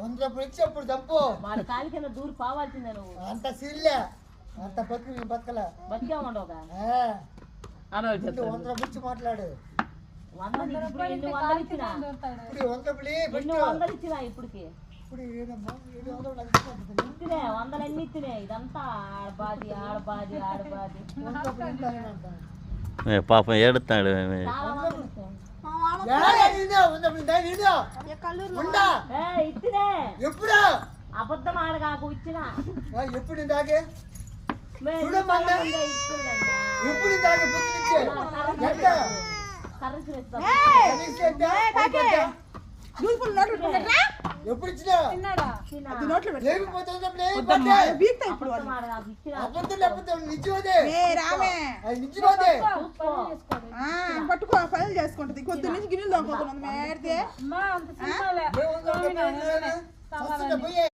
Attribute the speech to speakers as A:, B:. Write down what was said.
A: 100 రూపాయలు ఇచ్చి అప్పుడు తప్పు
B: వాడి కాలి కింద దూరి పోవాల్సిందే నువ్వు.
A: అంత సిల్లే అంత బతుకు బతకలా
B: బతికే ఉండవుగా
A: 100 రూపాయలు ఇచ్చి మాట్లాడు.
B: 100 ఇప్పుడు ఎన్ని వందలు ఇచ్చినా
A: ఇప్పుడు 100 రూపాయలు
B: ఎన్ని వందలు ఇచ్చినా ఇప్పటికి
A: ఇప్పుడు ఏదమ్మా 700
B: ఇచ్చినే 100 అన్ని ఇచ్చినే. ఇదంతా ఆడబాది ఆడబాది ఆడబాది
C: పాపం ఏడుతాడు.
B: చాలా మంది ఇచ్చాం. ఇచ్చినే
A: ఎప్పుడు
B: అబద్ధం ఆడగాకు ఇచ్చిన
A: ఎప్పుడు దాకే ఎప్పుడు దాకే ఎప్పుడు ఇచ్చినా
D: పట్టుకో పనులు చేసుకుంటది. కొద్ది నుంచి గిన్నెలు తోముకుంటున్నది మేడితే.